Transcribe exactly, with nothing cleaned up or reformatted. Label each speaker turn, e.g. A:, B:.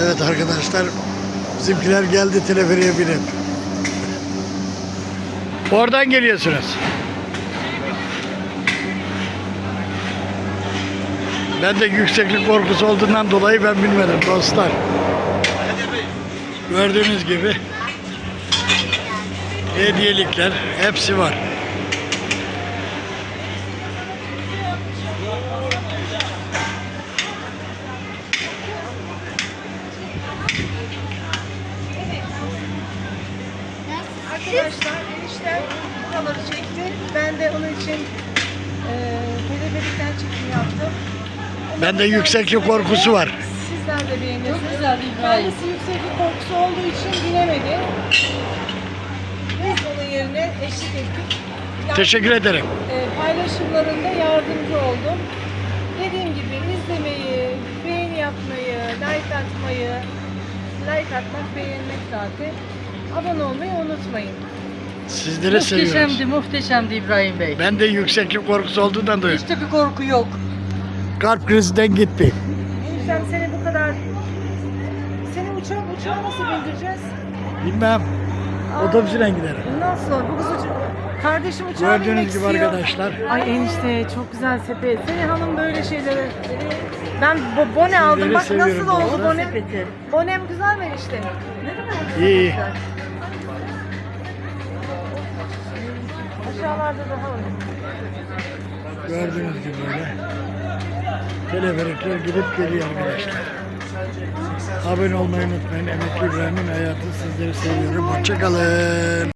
A: Evet arkadaşlar, bizimkiler geldi teleferiye binip. Oradan geliyorsunuz. Ben de yükseklik korkusu olduğundan dolayı ben bilmedim dostlar. Gördüğünüz gibi hediyelikler hepsi var.
B: Arkadaşlar enişten buraları çekti. Ben de onun için e, teleferikten çekim yaptım.
A: Ben de yükseklik korkusu var.
B: Sizler de beğeniyorsunuz. Çok güzel Kendisi yükseklik korkusu olduğu için binemedi. Biz onun yerine eşlik ettik. Yani,
A: Teşekkür ederim.
B: e, paylaşımlarında yardımcı oldum. Dediğim gibi izlemeyi, beğeni yapmayı, like atmayı, like atmak, beğenmek zaten. Abone olmayı unutmayın.
A: Sizleri seviyoruz.
C: Muhteşemdi, muhteşemdi İbrahim Bey.
A: Ben de yükseklik korkusu olduğundan dolayı.
C: Hiç de bir korku yok.
A: Kalp krizinden gitti.
B: Eniştem seni bu kadar... Seni uçağa, uçağa nasıl bindireceğiz?
A: Bilmem. Otobüsüne giderim.
B: Nasıl? Bu kız uça... Kardeşim uçağa binmek
A: Gördüğünüz gibi
B: istiyor.
A: arkadaşlar.
B: Ay enişte çok güzel sepet. Senin hanım böyle şeylere... Ben bo bone aldım. Bak
A: seviyorum
B: nasıl oldu
A: bu
B: bone?
C: sepeti.
B: Bonem güzel mi enişte? Ne kadar
A: İyi.
B: güzel. Aşağılarda daha var.
A: Gördüğünüz gibi böyle. Teleferikler gidip geliyor arkadaşlar. Abone olmayı unutmayın. Emekli İbrahim'in hayatı, sizleri seviyorum. Hoşçakalın.